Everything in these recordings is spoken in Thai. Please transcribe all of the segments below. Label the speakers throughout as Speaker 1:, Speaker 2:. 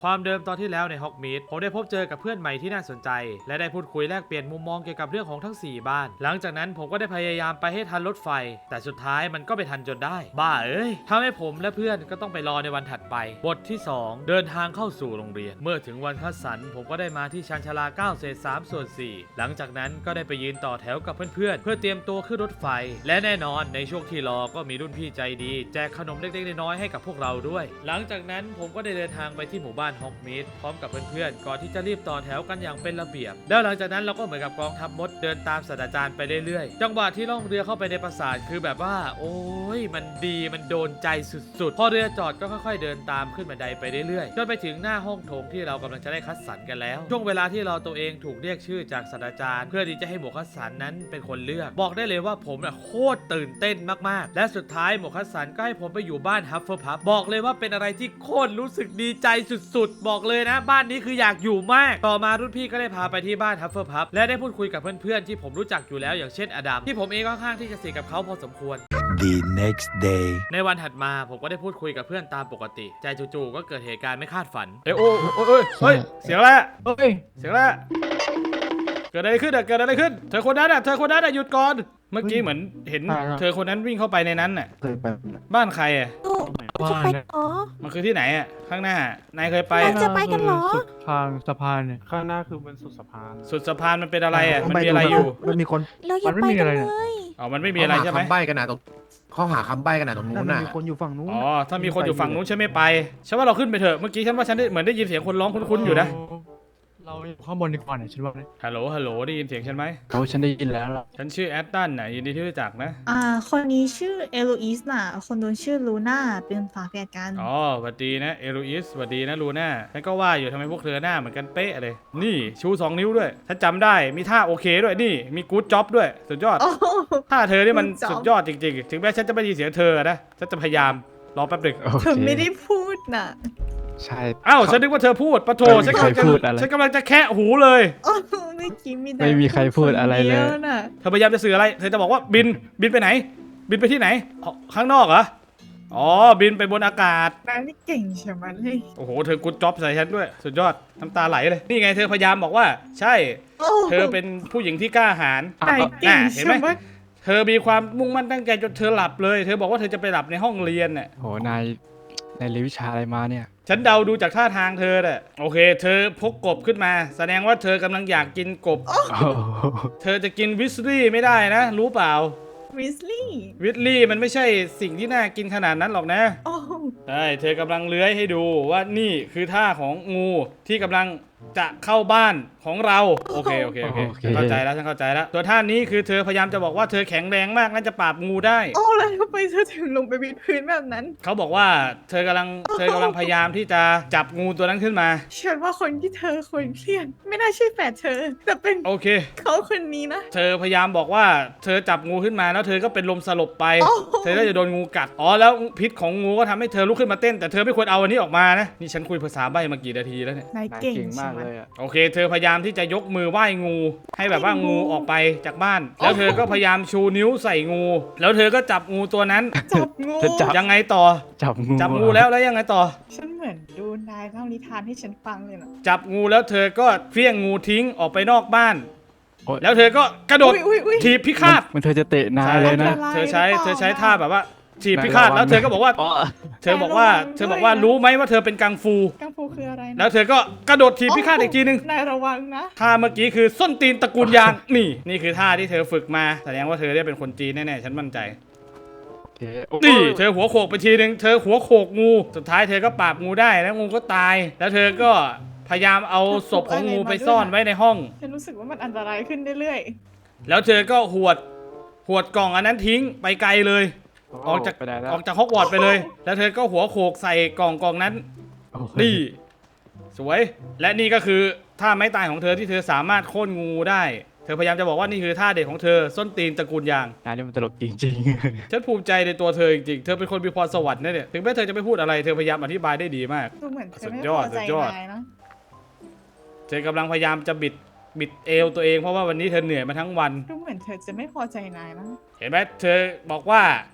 Speaker 1: ความเดิมตอนที่แล้วในฮอกมีดผมได้พบเจอกับเพื่อนใหม่ที่น่าสนใจและได้พูดคุยแลกเปลี่ยนมุมมองเกี่ยวกับเรื่องของทั้ง4บ้านหลังจากนั้นผมก็ได้พยายามไปให้ทันรถไฟแต่สุดท้ายมันก็ไปทันจนได้บ้าเอ้ยทำให้ผมและเพื่อนก็ต้องไปรอในวันถัดไปบทที่2เดินทางเข้าสู่โรงเรียนเมื่อถึงวันคัดสรรผมก็ได้มาที่ชานชาลา9 เศษ 3 ส่วน 4หลังจากนั้นก็ได้ไปยืนต่อแถวกับเพื่อนๆเพื่อเตรียมตัวขึ้นรถไฟและแน่นอนในช่วงที่รอก็มีรุ่นพี่ใจดีแจกขนมเล็กๆน้อยๆให้กับพวกเราด้วยหลังจากนั้นผมก็ได้เดินทางไปที่หมู่บ้านฮอกมีดพร้อมกับเพื่อนๆก่อนที่จะรีบต่อแถวกันอย่างเป็นระเบียบแล้วหลังจากนั้นเราก็เหมือนกับกองทัพมดเดินตามศาสตราจารย์ไปเรื่อยๆจังหวะที่ล่องเรือเข้าไปในปราสาทคือแบบว่าโอ้ยมันดีมันโดนใจสุดๆพอเรือจอดก็ค่อยๆเดินตามขึ้นบันไดไปเรื่อยๆจนไปถึงหน้าห้องโถงที่เรากำลังจะได้คัดสรรกันแล้วช่วงเวลาที่เราตัวเองถูกเรียกชื่อจากศาสตราจารย์เพื่อที่จะให้หมวกคัดสรรนั้นเป็นคนเลือกบอกได้เลยว่าผมโคตรตื่นเต้นมากๆและสุดท้ายหมวกคัดสรรก็ให้ผมไปอยู่บ้านฮัฟเฟิลพัฟบอกเลยว่าเป็นอะไรที่โคตรรู้สึกดีใจสุดๆบอกเลยนะบ้านนี้คืออยากอยู่มากต่อมารุ่นพี่ก็ได้พาไปที่บ้านฮัฟเฟิลพัฟและได้พูดคุยกับเพื่อนๆที่ผมรู้จักอยู่แล้วอย่างเช่นอดัมที่ผมเองค่อนข้างที่จะสนิทกับเขาพอสมควร
Speaker 2: The next day
Speaker 1: ในวันถัดมาผมก็ได้พูดคุยกับเพื่อนตามปกติใจจู่ๆก็เกิดเหตุการณ์ไม่คาดฝันโอ้เฮ้ยเสียงอะไรเฮ้ยเสียงอะไรเกิดอะไรขึ้นเกิดอะไรขึ้นเธอคนนั้นหยุดก่อนเมื่อกี้เหมือนเห็นเธอคนนั้นวิ่งเข้าไปในนั้นน่ะบ้านใครอ่ะ
Speaker 3: จะไปเหรอ
Speaker 1: มันคือที่ไหนอ่ะข้างหน้านายเคยไป
Speaker 3: เราจะไปกันเหรอ
Speaker 4: สุดทางสะพานเนี่ยข้างหน้าคือเป็นสุดสะพาน
Speaker 1: สุดสะพานมันเป็นอะไรอ่ะมันมีอะไรอยู่
Speaker 2: มันมีคน
Speaker 3: เราอย่า
Speaker 4: มันไม่
Speaker 3: ไป
Speaker 4: มี
Speaker 3: กั
Speaker 4: อะ
Speaker 3: น
Speaker 4: ไร
Speaker 3: เล
Speaker 4: เนี่ย
Speaker 3: ย
Speaker 1: อ๋อมันไม่มีอะไรใช่ไหม
Speaker 5: เขาหาคำใบ้กันนะตรงเขาหาคำใบ้กันนะตรงนู้น
Speaker 2: มัน
Speaker 5: น่ะ
Speaker 2: มีคนอยู่ฝั่งนู้น
Speaker 1: อ๋อถ้ามีคนอยู่ฝั่งนู้นฉันไม่ไปฉันว่าเราขึ้นไปเถอะเมื่อกี้ฉันว่าฉันได้เหมือนได้ยินเสียงคนร้องคุ้นๆอยู่นะ
Speaker 4: เราอยู่ข้างบนดีกว่าเนี่ยฉันว่าเนี่ย
Speaker 1: ฮัลโหลได้ยินเสียงฉันไหม
Speaker 4: ฉันได้ยินแล้วล่ะ
Speaker 1: ฉันชื่อแอตตันน่ะยินดีที่รู้จักนะ
Speaker 6: คนนี้ชื่อเอโลอีสน่ะ คนโดนชื่อลูน่า เป็นฝาแฝดกัน
Speaker 1: อ๋อสวัสดีนะเอลูอิสสวัสดีนะลูน่าฉันก็ว่าอยู่ทำไมพวกเธอหน้าเหมือนกันเป๊ะเลยนี่ชู2 นิ้วด้วยฉันจำได้มีท่าโอเคด้วยนี่มีกู๊ดจ็อบด้วยสุดยอด
Speaker 6: โอ้โห
Speaker 1: ท่าเธอนี่มัน
Speaker 6: good job
Speaker 1: สุดยอดจริงๆถึงแม้ฉันจะไม่ได้ยินเสียงเธอนะฉันจะพยายามรอแป๊บหนึ่ง
Speaker 6: เธอไม่ได้พูดน่ะ
Speaker 4: ใช่
Speaker 1: อ้าวฉันนึกว่าเธอพูดปะโถ
Speaker 4: ไม่มีใครพูดอะไร
Speaker 1: ฉันกำลังจะแคะหูเลย
Speaker 6: โอ้โหเมื่อกี้มีแต่
Speaker 4: ไม่มีใครพูดอะไรเลย
Speaker 6: คนดีวน่ะ
Speaker 1: เธอพยายามจะสื่ออะไรเธอจะบอกว่าบินไปไหน บินไปที่ไหนอ๋อข้างนอกเหรออ๋อบินไปบนอากาศ
Speaker 6: นายนี่เก่งใช่ไหมเลย
Speaker 1: โอ้โหเธอกู๊ดจ็อบใส่ฉันด้วยสุดยอดน้ำตาไหลเลยนี่ไงเธอพยายามบอกว่าใช่
Speaker 6: โอ้โห
Speaker 1: เธอเป็นผู้หญิงที่กล้าหาญ
Speaker 6: นายเก่ง
Speaker 1: เห็น
Speaker 6: ใช่
Speaker 1: ไหม
Speaker 6: ไหม
Speaker 1: เธอมีความมุ่งมั่นตั้งใจจนเธอหลับเลย เธอบอกว่าเธอจะไปหลับในห้องเรียนน่ะ
Speaker 4: โหนายเรียนวิชาอะไรมาเนี่ย
Speaker 1: ฉันเดาดูจากท่าทางเธอน่ะโอเค เธอพกกบขึ้นมา แสดงว่าเธอกำลังอยากกินกบ
Speaker 4: โอ้โห
Speaker 1: เธอจะกินวิสลี่ไม่ได้นะ รู้เปล่า
Speaker 6: วิสลี่
Speaker 1: วิสลี่มันไม่ใช่สิ่งที่น่ากินขนาดนั้นหรอกนะ
Speaker 6: โอ้โห
Speaker 1: ใช่เธอกำลังเลื้อยให้ดูว่านี่คือท่าของงูที่กำลังจะเข้าบ้านของเราโอเคฉันเข้าใจแล้วตัวท่านี้คือเธอพยายามจะบอกว่าเธอแข็งแรงมากน่าจะปราบงูได้
Speaker 6: โอ้แล้วทำไมเธอถึงลงไปวิดพื้นแบบนั้น
Speaker 1: เขาบอกว่าเธอกำลังพยายามที่จะจับงูตัวนั้นขึ้นมา
Speaker 6: ฉันว่าคนที่เธอควรเครียดไม่น่าใช่แฝดเธอ แต่เป็น
Speaker 1: โอเค
Speaker 6: เขาคนนี้นะ
Speaker 1: เธอพยายามบอกว่าเธอจับงูขึ้นมาแล้วเธอก็เป็นลมสลบไป
Speaker 6: โอ้โห
Speaker 1: เธอก็จะโดนงูกัดอ๋อแล้วพิษของงูก็ทำให้เธอลุกขึ้นมาเต้นแต่เธอไม่ควรเอาอันนี้ออกมานะนี่ฉันคุยภาษาใบ้มากี่นาทีแล้วเนี่ย
Speaker 6: นาย
Speaker 4: นาย
Speaker 6: เก่ง
Speaker 4: เก่งมาก
Speaker 6: ใช่ไห
Speaker 4: เลยอ่ะ
Speaker 1: โอเค เธอพยายามที่จะยกมือไหว้งู ให้แบบว่างูออกไปจากบ้าน แล้วเธอก็พยายามชูนิ้วใส่งู แล้วเธอก็จับงูตัวนั้น
Speaker 6: จับงู
Speaker 4: จะจับ
Speaker 1: ยังไงต่อ จับงูแล้วยังไงต่อ
Speaker 6: ฉันเหมือนดูนายเล่านิทานให้ฉันฟังเลยนะ
Speaker 1: จับงูแล้วเธอก็เฟี้ยงงูทิ้งออกไปนอกบ้าน
Speaker 4: โอ๊ย
Speaker 1: แล้วเธอก็กระโดด
Speaker 6: อุ๊ย
Speaker 1: ถีบพิฆาต
Speaker 4: มันเธอจะเตะนายเลยนะ
Speaker 1: เธอใช้ท่าแบบว่าถีบพิฆาต
Speaker 4: ระวัง
Speaker 1: แล้วเธอก็บอกว่า
Speaker 4: อ๋อ
Speaker 1: เธอบอกว่ารู้ไหมว่าเธอเป็นกังฟู
Speaker 6: กังฟูคืออะไรนะ
Speaker 1: แล้วเธอก็กระโดดถีบพิฆาตอีกทีนึง
Speaker 6: นายระวังนะ
Speaker 1: ท่าเมื่อกี้คือส้นตีนตระกูลยาง นี่คือท่าที่เธอฝึกมาแสดงว่าเธอได้เป็นคนจีนแน่ๆฉันมั่นใจ
Speaker 4: โอเคโอ้ย
Speaker 1: นี่เธอหัวโขกไปทีนึงเธอหัวโขกงูสุดท้ายเธอก็ปราบงูได้แล้วงูก็ตาย แล้วเธอก็พยายามเอาศพของงูไปซ่อนไว้ในห้อง
Speaker 6: ฉันรู้สึกว่ามันอันตรายขึ้นเรื่อย
Speaker 1: แล้วเธอก็หวดกล่องอันนั้นทิ้งไปไกลเลย ออกจาก
Speaker 4: ไปได้แล้ว
Speaker 1: ฮอกวอตส์ไปเลย แล้วเธอก็หัวโขกใส่กล่องนั้น
Speaker 4: โอ้โห
Speaker 1: นี่ สวย และนี่ก็คือท่าไม้ตายของเธอที่เธอสามารถโค่นงูได้ เธอพยายามจะบอกว่านี่คือท่าเด็ดของเธอส้นตีนตระกูลยาง
Speaker 4: นายนี่มันตลกจริง
Speaker 1: ฉันภูมิใจในตัวเธอจริงๆ เธอเป็นคนมีพรสวรรค์นะเนี่ย ถึงแม้เธอจะไม่พูดอะไร เธอพยายามอธิบายได้ดีมาก
Speaker 6: ๆ ดูเหมือนเธอไม่
Speaker 1: สุดย
Speaker 6: พ
Speaker 1: อ
Speaker 6: อ
Speaker 1: ด
Speaker 6: ใจ
Speaker 1: สุดยอด
Speaker 6: นายนะ
Speaker 1: เธอกำลังพยายามจะบิดเอวตัวเองเพราะว่าวันนี้เธอเหนื่อยมาทั้งวัน
Speaker 6: ดูเหมือนเธอจะไม่พอใจนายนะ
Speaker 1: เห็นไหมเธอบอกว่า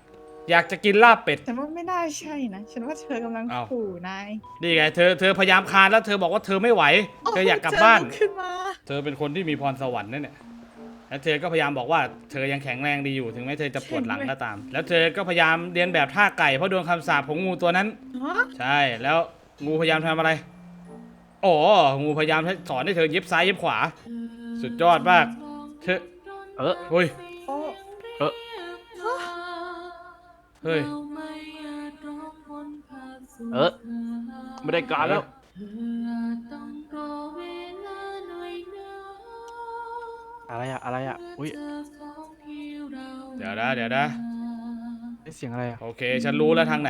Speaker 1: อยากจะกินลาบเป็ด
Speaker 6: ฉันว่าไม่ได้ใช่นะฉันว่าเธอกำลัง
Speaker 1: อ้าว
Speaker 6: ขู่นาย
Speaker 1: นี่ไงเธอพยายามคานแล้วเธอบอกว่าเธอไม่ไหวเธออยากกลับบ้าน
Speaker 6: เธอลุขึ้นมา
Speaker 1: เธอเป็นคนที่มีพรสวรรค์นั่นแหละแล้วเธอก็พยายามบอกว่าเธอยังแข็งแรงดีอยู่ถึงแม้เธอจะปวดหลังก็ตาม แล้วเธอก็พยายามเรียนแบบท่าไก่เพราะโดนคำสาปของงูตัวนั้น
Speaker 6: ฮะ
Speaker 1: ใช่แล้วงูพยายามทำอะไรอ๋องูพยายามสอนให้เธอเย็บซ้ายเย็บขวา สุดยอดมากเธอ
Speaker 4: เออ
Speaker 1: เฮ้ย
Speaker 6: โอ้
Speaker 4: เออ
Speaker 1: เฮ้ย
Speaker 4: เออไม่ได้การแล้วอะไรอะอุ้ย
Speaker 1: เดี๋ยวนะ
Speaker 4: ได้เสียงอะไรอะ
Speaker 1: โอเคฉันรู้แล้วทางไหน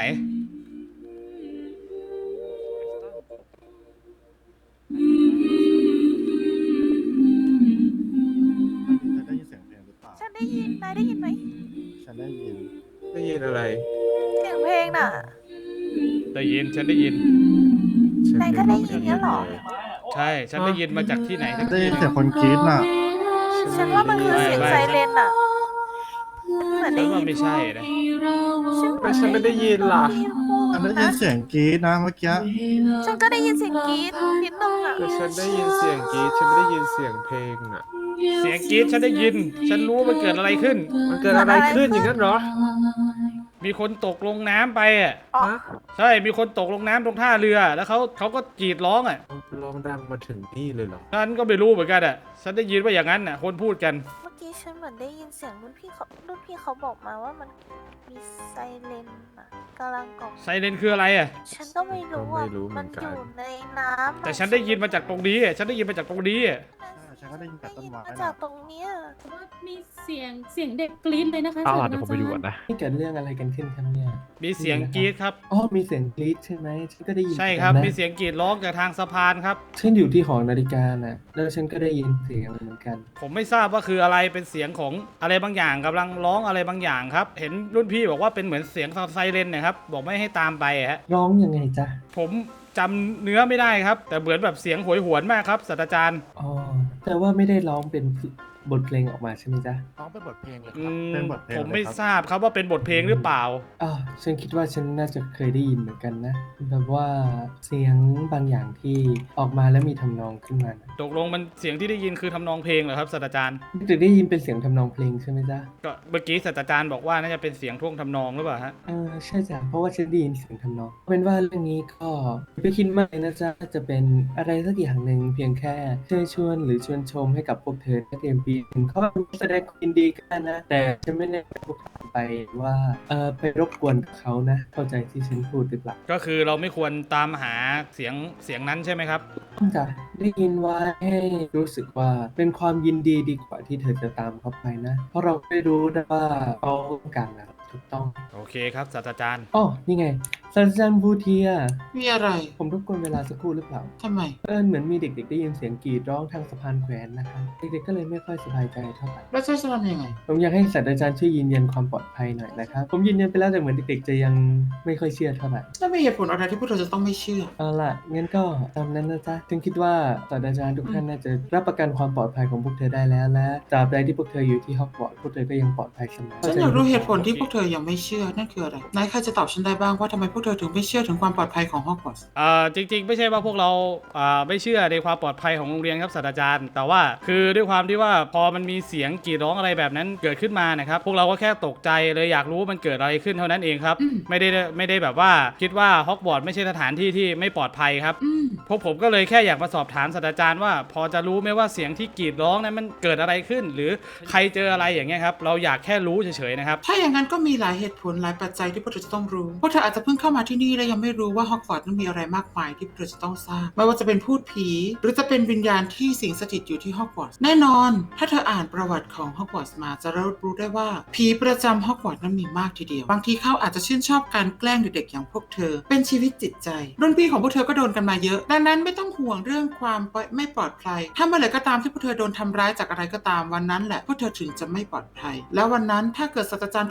Speaker 2: ได้ยินเสียงเพลงหรือเปล่า
Speaker 3: ฉันได้ยิน นายได้ยินไหม
Speaker 2: ฉันได้ยิน
Speaker 5: ได้ยินอะไร
Speaker 3: เสียงเพลงน่ะ
Speaker 1: ได้ยินฉันได้ยิน
Speaker 3: นายก็ได้ยินงั้นเหรอ
Speaker 1: ใช่ฉันได้ยินมาจากที่ไหนสัก
Speaker 2: ได้
Speaker 1: ที่
Speaker 2: ยินเสียงคนกรี๊ดน่ะ
Speaker 3: ฉันว่ามันคือเสียงไซเรนน่ะเหมือน
Speaker 1: ฉั
Speaker 3: ได้
Speaker 1: นว่า
Speaker 3: ยิน
Speaker 1: ไม่ใช่นะ
Speaker 5: ฉันไม่ได้ยินล่ะ
Speaker 2: ฉันได้ยินเสียงกรี๊ดนะเมื่อกี้
Speaker 3: ฉันก็ได้ยินเสียงกรี๊ดนิดนึงอ่ะ
Speaker 5: แต่ฉันได้ยินเสียงกรี๊ดฉันไม่ได้ยินเสียงเพลงอ่ะ
Speaker 1: เสียงกรี๊ดฉันได้ยิน ฉันรู้ว่ามันเกิดอะไรขึ้น
Speaker 5: มันเกิดอะไรขึ้นอย่างนั้นเหรอ
Speaker 1: มีคนตกลงน้ำไปอ่ะ
Speaker 3: อ๋อ
Speaker 5: ฮะ
Speaker 1: ใช่มีคนตกลงน้ำตรงท่าเรือแล้วเขาก็กรีดร้องอ่ะ
Speaker 5: ร้องดังมาถึงนี่เลยเหรอ
Speaker 1: ฉันก็ไม่รู้เหมือนกันอ่ะฉันได้ยินว่าอย่างนั้นอ่ะคนพูดกัน
Speaker 3: เมื่อกี้ฉันเหมือนได้ยินเสียงรุ่นพี่เขาบอกมาว่ามันมีไซเรนอ่ะกำลังกล่อม
Speaker 1: ไซเรนคืออะไรอ่ะ
Speaker 3: ฉันก็ไม่รู้อ่ะ
Speaker 5: ก็ไม่รู้เหมื
Speaker 3: มั
Speaker 5: อน นกัน
Speaker 3: อยู่ในน้ำอะ
Speaker 1: แต่ฉันได้ยินมาจากตรงนี้อะฉันได้ยินมาจากตรงนี้อะ
Speaker 2: ฉันก็ได้ยินแต่ต้นไม้
Speaker 3: มา
Speaker 2: นะ
Speaker 3: จากตรงเนี้ย
Speaker 7: แต่ว่ามีเสียงเด็กกรี๊ดเลยนะคะ
Speaker 4: เอาล่ะ
Speaker 7: ศา
Speaker 4: เดี๋ยวผมไปดูก่อนนะ
Speaker 8: นี่เกิดเรื่องอะไรกันขึ้นครับเนี่ย
Speaker 1: มีเสียงกรีดครับ
Speaker 8: อ๋อมีเสียงกรี๊ดใช่ไหมฉันก็ได้ยิน
Speaker 1: ใช่ครับ
Speaker 8: เหอน
Speaker 1: มี
Speaker 8: กันนะ
Speaker 1: เสียงกรีดร้องจากทางสะพานครับ
Speaker 8: ฉันอยู่ที่หอนาฬิกาน่ะ แล้วฉันก็ได้ยินเสียงเหมือนกัน
Speaker 1: ผมไม่ทราบว่าคืออะไรเป็นเสียงของอะไรบางอย่างกำลังร้องอะไรบางอย่างครับ เห็นรุ่นพี่บอกว่าเป็นเหมือนเสียงไซเรนนะครับบอกไม่ให้ตามไปฮะ
Speaker 8: ร้องยังไงจ๊ะ
Speaker 1: ผมจำเนื้อไม่ได้ครับ แต่เหมือนแบบเสียงโหยหวนมากครับศาสตราจารย์
Speaker 8: อ๋อ แต่ว่าไม่ได้ร้องเป็นบทเพลงออกมาใช่ไหมจ๊ะ
Speaker 2: ร้องเป็นบทเพลงเลยค
Speaker 1: อื
Speaker 2: รับ
Speaker 1: ม
Speaker 2: เป็นบทเพลง
Speaker 1: ผม
Speaker 2: เลย
Speaker 1: ไม่
Speaker 2: ครับ
Speaker 1: ทราบครับว่าเป็นบทเพลงหรือเปล่า
Speaker 8: อ๋อฉันคิดว่าฉันน่าจะเคยได้ยินเหมือนกันนะ แบบว่าเสียงบางอย่างที่ออกมาแล้วมีทำนองขึ้นมานะ
Speaker 1: ตกลงมันเสียงที่ได้ยินคือทำนองเพลงเหรอครับศาสตราจารย์
Speaker 8: จะได้ยินเป็นเสียงทำนองเพลงใช่ไหมจ๊ะ
Speaker 1: ก็เมื่อกี้ศาสตราจารย์บอกว่าน่าจะเป็นเสียงท่วงทำนองหรือเปล่าฮะ
Speaker 8: ใช่จ้ะเพราะว่าฉันได้ยินเสียงทำนองเป็นว่าเรื่องนี้ก็อย่าไปคิดมากเลยนะจ๊ะจะเป็นอะไรสักอย่างหนึ่งเพียงแค่เชิญชวนหรือชวนชมให้กับพวกเธอนักเรียนปีหนึ่งเขาแสดงความยินดีกันนะ แต่ฉันไม่ได้พวกเธอไปว่าไปรบกวนเขานะ เข้าใจที่ฉันพูดหรือเปล่า
Speaker 1: ก็คือเราไม่ควรตามหาเสียงนั้นใช่ไหมครับ
Speaker 8: ต้องจะได้ยินไว้ให้รู้สึกว่าเป็นความยินดีดีกว่าที่เธอจะตามเขาไปนะ เพราะเราไม่รู้นะว่าเขาต้องการอะไรถูกต้อง
Speaker 1: โอเคครับศาสตราจารย์
Speaker 8: อ๋อนี่ไงศาสตราจารย์บูเทีย
Speaker 9: มีอะไร
Speaker 8: ผมรบกวนเวลาสักครู่หรือเปล่า
Speaker 9: ทำไม
Speaker 8: เหมือนมีเด็กๆได้ยินเสียงกรีดร้องทางสะพานแขวนนะครับเด็กๆก็เลยไม่ค่อยสบายใจเท่าไหร่
Speaker 9: แล้วจะทำยังไง
Speaker 8: ผมอยากให้ศาสตราจารย์ช่วยยืนยันความปลอดภัยหน่อยนะครับผมยืนยันไปแล้วแต่เหมือนเด็กๆจะยังไม่ค่อยเชื่อเท่าไหร่
Speaker 9: แล้วมีเหตุผลอะไรที่พวกเราจะต้องไม่เชื่อ
Speaker 8: เอาล่ะงั้นก็ตามนั้นนะจ๊ะฉันคิดว่าศาสตราจารย์ทุกท่านน่าจะรับประกันความปลอดภัยของพวกเธอได้แล้วและตราบใดที่พวกเธออยู่ที่ฮอกวอตส์พวกเธอก็ยังปลอดภัยเสมอ
Speaker 9: ฉันอยากรู้เหตุผลที่พวกเธอยังไม่เชื่อ นั่นคืออะไรนายใครจะตอบฉันได้บ้างว่าทำไมพวกเธอถึงไม่เชื่อถึงความปลอดภัยของฮอกวอตส์
Speaker 1: จริงๆไม่ใช่ว่าพวกเราไม่เชื่อในความปลอดภัยของโรงเรียนครับศาสตราจารย์ แต่ว่าคือด้วยความที่ว่าพอมันมีเสียงกรีดร้องอะไรแบบนั้นเกิดขึ้นมานะครับพวกเราก็แค่ตกใจเลยอยากรู้ว่ามันเกิดอะไรขึ้นเท่านั้นเองครับไม่ได้แบบว่าคิดว่าฮอกวอตส์ไม่ใช่สถานที่ที่ไม่ปลอดภัยครับพวกผมก็เลยแค่อยากมาสอบถามศาสตราจารย์ว่าพอจะรู้ไหมว่าเสียงที่กรีดร้องนั้นมันเกิดอะไรขึ้น หรือใครเจออะไรอย่างเงี้ยครับเราอยากแค่รู้เฉยๆนะครับ
Speaker 9: ถ้าอย่างนั้นก็มีหลายเหตุผลหลายปัจจัยที่พวกเธอจะต้องรู้ พวกเธออาจจะเพิ่งเข้ามาที่นี่และยังไม่รู้ว่าฮอกวอตส์นั้นมีอะไรมากมายที่พวกเธอจะต้องทราบ ไม่ว่าจะเป็นพูดผี หรือจะเป็นวิญญาณที่สิงสถิตอยู่ที่ฮอกวอตส์แน่นอน ถ้าเธออ่านประวัติของฮอกวอตส์มาจะรู้ได้ว่าผีประจำฮอกวอตส์นั้นมีมากทีเดียว บางทีเขาอาจจะชื่นชอบการแกล้งเด็กๆอย่างพวกเธอ เป็นชีวิตจิตใจรุ่นพี่ของพวกเธอก็โดนกันมาเยอะดังนั้นไม่ต้องห่วงเรื่องความไม่ปลอดภัยถ้าเมื่อไหร่ก็ตามที่พวกเธอโดนทำร้ายจากอะไรก็ตามวันนั้นแหละพวกเธอถึงจะไม่ปลอดภัยแล้ววันนั้นถ้าเกิดศาสตราจารย์ทุกคนอยู่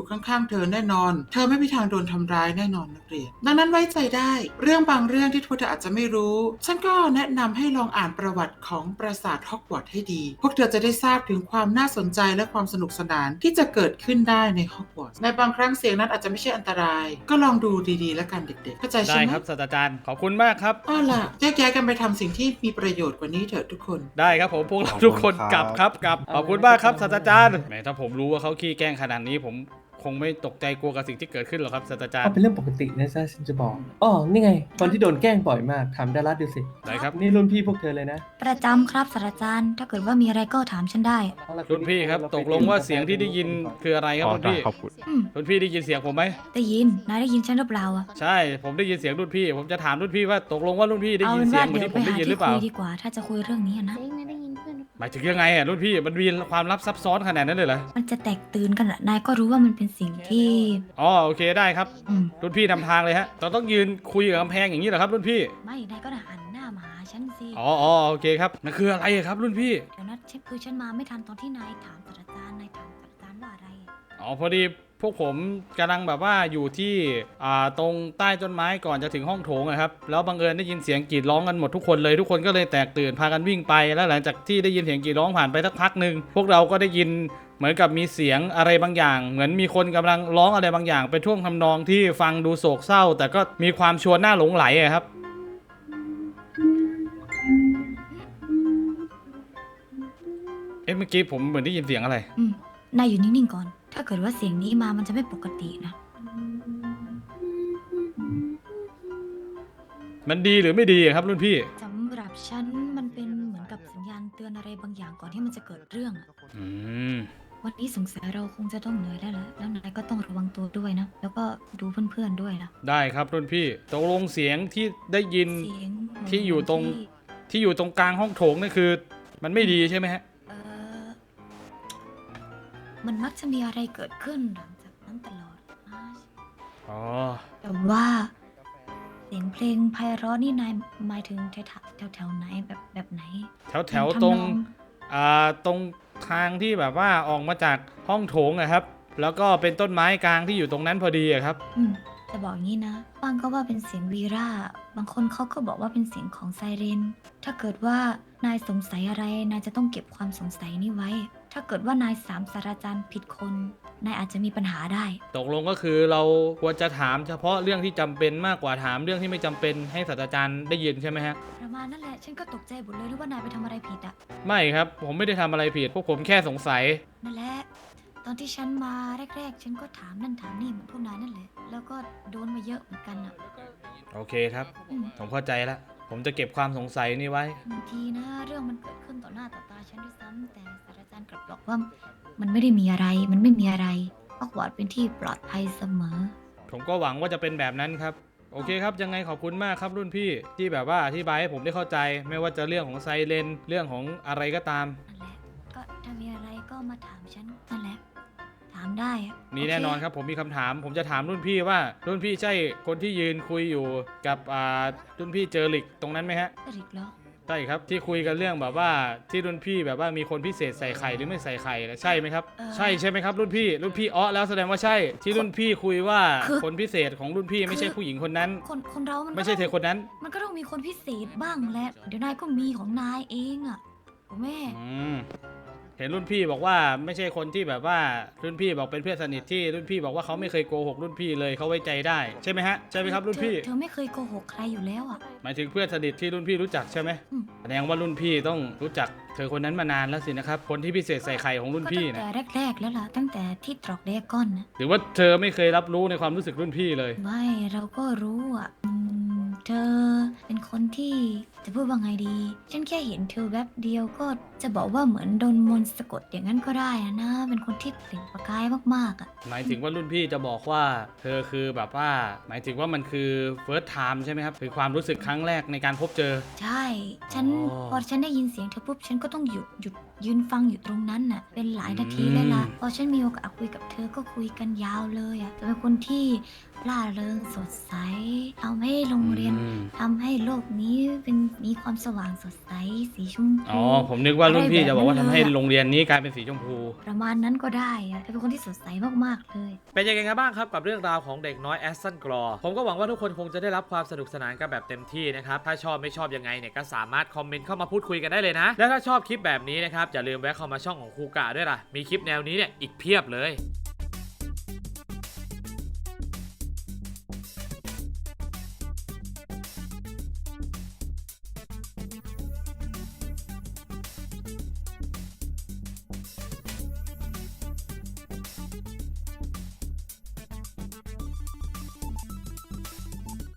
Speaker 9: ข้างๆเธอแน่นอน เธอไม่มีทางโดนทำร้ายแน่นอนนักเรียนดังนั้นไว้ใจได้เรื่องบางเรื่องที่พวกเธออาจจะไม่รู้ฉันก็แนะนำให้ลองอ่านประวัติของปราสาทฮอกวอตส์ให้ดีพวกเธอจะได้ทราบถึงความน่าสนใจและความสนุกสนานที่จะเกิดขึ้นได้ในฮอกวอตส์ในบางครั้งเสียงนั้นอาจจะไม่ใช่อันตรายก็ลองดูดีๆแล้วกันเด็กๆเข้าใจใช่
Speaker 1: ได้
Speaker 9: ไหม
Speaker 1: ครับศาสตราจารย์ขอบคุณมากครับ
Speaker 9: เอาล่ะแยกย้ายกันไปทำสิ่งที่มีประโยชน์กว่านี้เถอะทุกคน
Speaker 1: ได้ครับผมพวกเราทุกคนกลับครับกลับขอบคุณมากครับศาสตราจารย์แหมถ้าผมรู้ว่าเขาขี้แกล้งขนาดนี้ผมคงไม่ตกใจกลัวกับสิ่งที่เกิดขึ้นหรอกครับศาสตราจาร
Speaker 8: เอา
Speaker 1: ย์
Speaker 8: เป็นเรื่องปกตินะจ๊ะฉันจะบอกอ๋อนี่ไงคนที่โดนแกล้งบ่อยมากถามดารัสดูสิ
Speaker 1: ได้ครับ
Speaker 8: นี่รุ่นพี่พวกเธอเลยนะ
Speaker 10: ประจำครับศาสตราจารย์ ถ้าเกิดว่ามีอะไรก็ถามฉันได้
Speaker 8: เอาล่ะ
Speaker 1: รุ่นพี่ครับตกลงว่าเสียงที่ได้ยินคืออะไรครับ
Speaker 4: อ๋อ
Speaker 1: รุ่นพี่
Speaker 4: ขอบคุณ
Speaker 10: อืม
Speaker 1: รุ่นพี่ได้ยินเสียงผมไหม
Speaker 10: ได้ยิน นายได้ยินฉันหรือเปล่าอะ
Speaker 1: ใช่ผมได้ยินเสียงรุ่นพี่ ผมจะถามรุ่นพี่ว่าตกลงว่ารุ่นพี่ได้
Speaker 10: เอา
Speaker 1: ยิน
Speaker 10: เป็น
Speaker 1: เสีย
Speaker 10: ว่าง
Speaker 1: เหมือน
Speaker 10: เดี๋ยว
Speaker 1: ที่ผ
Speaker 10: ไป
Speaker 1: มได้
Speaker 10: หา
Speaker 1: ยินหรื
Speaker 10: ที่
Speaker 1: อเปล่า
Speaker 10: คุยดีกว่า ถ้าจะคุยเรื่องนี้อะนะ
Speaker 7: เจ๊งนะได้ยินเพื่อนหรือเปล่า
Speaker 1: หมายถึงยังไงรุ่นพี่มันมีความลับซับซ้อนขนาดนั้นเลยเหรอ
Speaker 10: มันจะแตกตื่นกันอะนายก็รู้ว่ามันเป็นสิ่งที่
Speaker 1: อ๋อโอเคได้ครับ
Speaker 10: อืม
Speaker 1: รุ่นพี่นำทางเลยฮะเราต้องยืนคุยกับกำแพงอย่างนี้เหรอครับรุ่นพี่
Speaker 10: ไม่ นายก็หันหน้ามาหาฉันสิ
Speaker 1: อ๋อโอเคครับนั่นคืออะไรครับรุ่นพี่
Speaker 10: เดี๋ยวนะฉันมาไม่ทันตอนที่นายถามศาสตราจารย์ นายถามศาสตราจารย์ว่าอะไรอะ
Speaker 1: อ๋อพอดีพวกผมกำลังแบบว่าอยู่ที่ตรงใต้ต้นไม้ก่อนจะถึงห้องโถงอะครับแล้วบังเอิญได้ยินเสียงกรีดร้องกันหมดทุกคนเลยทุกคนก็เลยแตกตื่นพากันวิ่งไปแล้วหลังจากที่ได้ยินเสียงกรีดร้องผ่านไปสักพักหนึ่งพวกเราก็ได้ยินเหมือนกับมีเสียงอะไรบางอย่าง เหมือนมีคนกำลังร้องอะไรบางอย่างเป็นท่วงทำนองที่ฟังดูโศกเศร้า แต่ก็มีความชวนน่าหลงไหลอะครับเมื่อกี้ผมเหมือนได้ยินเสียงอะไร
Speaker 10: อืม นายอยู่นิ่งๆก่อน ถ้าเกิดว่าเสียงนี้มามันจะไม่ปกตินะ
Speaker 1: มันดีหรือไม่ดีอะครับรุ่นพี่
Speaker 10: สำหรับฉันมันเป็นเหมือนกับสัญญาณเตือนอะไรบางอย่างก่อนที่มันจะเกิดเรื่องอะ
Speaker 1: อืม
Speaker 10: วันนี้สงสัยเราคงจะต้องเหนื่อยได้แล้วแล้วนายก็ต้องระวังตัวด้วยนะ แล้วก็ดูเพื่อนๆด้วยนะ
Speaker 1: ได้ครับรุ่นพี่ตกลงเสียงที่ได้ยิน
Speaker 10: เสียง
Speaker 1: ที่อยู่ตรง ที่อยู่ตรงกลางห้องโถงนี่คือ มันไม่ดีใช่ไหมฮะ
Speaker 10: เออมันมักจะมีอะไรเกิดขึ้นหลังจากนั้นตลอดนะ
Speaker 1: อ๋อ
Speaker 10: แต่ว่า เสียงเพลงไพเราะนี่นายหมายถึงแถวไหนแบบไหน
Speaker 1: แถวตรง ตรงทางที่แบบว่าออกมาจากห้องโถงอะครับ แล้วก็เป็นต้นไม้กลางที่อยู่ตรงนั้นพอดีอะครับ
Speaker 10: อืมจะบอกงี้นะบางก็ว่าเป็นเสียงวีราบางคนเขาก็บอกว่าเป็นเสียงของไซเรน ถ้าเกิดว่านายสงสัยอะไร นายจะต้องเก็บความสงสัยนี้ไว้ ถ้าเกิดว่านายศาสตราจารย์ผิดคน นายอาจจะมีปัญหาได้
Speaker 1: ตกลงก็คือเราควรจะถามเฉพาะเรื่องที่จำเป็นมากกว่าถามเรื่องที่ไม่จำเป็นให้ศาสตราจารย์ได้ยินใช่ไหมฮะ
Speaker 10: ประมาณนั่นแหละ ฉันก็ตกใจหมดเลยหรือว่านายไปทำอะไรผิดอะ
Speaker 1: ไม่ครับ ผมไม่ได้ทำอะไรผิดพวกผมแค่สงสัย
Speaker 10: นั่นแหละ ตอนที่ฉันมาแรกๆ ฉันก็ถามนั่นถามนี่เหมือนพวกนายนั่นแหละ แล้วก็โดนมาเยอะเหมือนกันอะ
Speaker 1: โอเคครับ
Speaker 10: อืม
Speaker 1: ผมเข้าใจแล้ว ผมจะเก็บความสงสัยนี่ไว้
Speaker 10: บางทีนะเรื่องมันเกิดขึ้นต่อหน้าต่อตาฉันด้วยซ้ำแต่ศาสตราจารย์กลับบอกว่ามันไม่ได้มีอะไร มันไม่มีอะไรฮอกวอตส์เป็นที่ปลอดภัยเสมอ
Speaker 1: ผมก็หวังว่าจะเป็นแบบนั้นครับ โอเคครับ ยังไงขอบคุณมากครับรุ่นพี่ที่แบบว่าอธิบายให้ผมได้เข้าใจ ไม่ว่าจะเรื่องของไซเรนเรื่องของอะไรก็ตาม
Speaker 10: นั่นแหละ ก็ถ้ามีอะไรก็มาถามฉันนั่นแหละ ถามได้อะ
Speaker 1: มี
Speaker 10: โเค
Speaker 1: แน่นอนครับผมมีคำถาม ผมจะถามรุ่นพี่ว่ารุ่นพี่ใช่คนที่ยืนคุยอยู่กับรุ่นพี่เจอริกตรงนั้นไหมฮะ
Speaker 10: ริกเหรอ
Speaker 1: ใช่ครับที่คุยกันเรื่องแบบว่าที่รุ่นพี่แบบว่ามีคนพิเศษใส่ไข่หรือไม่ใส่ไข่นะใช่ไหมครับ ใช่ไหมครับรุ่นพี่อ้อแล้วแสดงว่าใช่ที่รุ่นพี่คุยว่าคนพิเศษของรุ่นพี่ไม่ใช่ผู้หญิงคนนั้น
Speaker 10: คนเรามันก็
Speaker 1: ไม่ใช่เธอคนนั้น
Speaker 10: มันก็ต้องมีคนพิเศษบ้างแหละ เดี๋ยวนายก็มีของนายเองอะถูกแม่
Speaker 1: เห็นรุ่นพี่บอกว่าไม่ใช่คนที่แบบว่ารุ่นพี่บอกเป็นเพื่อนสนิทที่รุ่นพี่บอกว่าเขาไม่เคยโกหกรุ่นพี่เลยเขาไว้ใจได้ใช่ไหมฮะใช่ไหมครับรุ่นพี่
Speaker 10: เธอไม่เคยโกหกใครอยู่แล้วอะ
Speaker 1: หมายถึงเพื่อนสนิทที่รุ่นพี่รู้จักใช่ไหม
Speaker 10: อืม
Speaker 1: แสดงว่ารุ่นพี่ต้องรู้จักเธอคนนั้นมานานแล้วสินะครับคนที่พิเศษใส่ไข่ของรุ่นพี่
Speaker 10: ก็ตั้ง
Speaker 1: นะ
Speaker 10: แต่แรกๆแล้วล่ะ ตั้งแต่ที่ตรอกเดกอนนะ
Speaker 1: หรือว่าเธอไม่เคยรับรู้ในความรู้สึกรุ่นพี่เลย
Speaker 10: ไม่เราก็รู้อ่ะเธอเป็นคนที่จะพูดว่าไงดี ฉันแค่เห็นเธอแวบเดียวก็จะบอกว่าเหมือนโดนมนต์สะกดอย่างนั้นก็ได้นะ เป็นคนที่เปล่งประกายมากๆอ่ะ
Speaker 1: หมายถึงว่ารุ่นพี่จะบอกว่าเธอคือแบบว่า หมายถึงว่ามันคือ first time ใช่ไหมครับคือความรู้สึกครั้งแรกในการพบเจอ
Speaker 10: ใช่ ฉัน
Speaker 1: อ๋อ
Speaker 10: พอฉันได้ยินเสียงเธอปุ๊บฉันก็ต้องหยุดยืนฟังอยู่ตรงนั้นน่ะเป็นหลายนาทีเลยล่ะพอฉันมีโอกาสคุยกับเธอก็คุยกันยาวเลยอ่ะเธอเป็นคนที่ร่าเริงสดใสทำให้โรงเรียนทำให้โลกนี้เป็นมีความสว่างสดใสสีชมพู
Speaker 1: อ๋อผมนึกว่ารุ่นพี่จะบอกว่า
Speaker 10: อะไร
Speaker 1: ทำ
Speaker 10: แบบนั้นเลย
Speaker 1: ให้
Speaker 10: อะ
Speaker 1: โรงเรียนนี้กลายเป็นสีชมพู
Speaker 10: ประมาณนั้นก็ได้อะเธอเป็นคนที่สดใสมากๆเลย
Speaker 1: เป็นยังไงกันบ้างครับกับเรื่องราวของเด็กน้อยแอสตันกรอผมก็หวังว่าทุกคนคงจะได้รับความสนุกสนานกันแบบเต็มที่นะครับถ้าชอบไม่ชอบยังไงเนี่ยก็สามารถคอมเมนต์เข้ามาพูดคุยกันได้เลยนะและถ้าชอบคลิปแบบนี้นะครับอย่าลืมแวะเข้ามาช่องของครูกะด้วยล่ะมีคลิปแนวนี้เนี่ยอีกเพียบเลย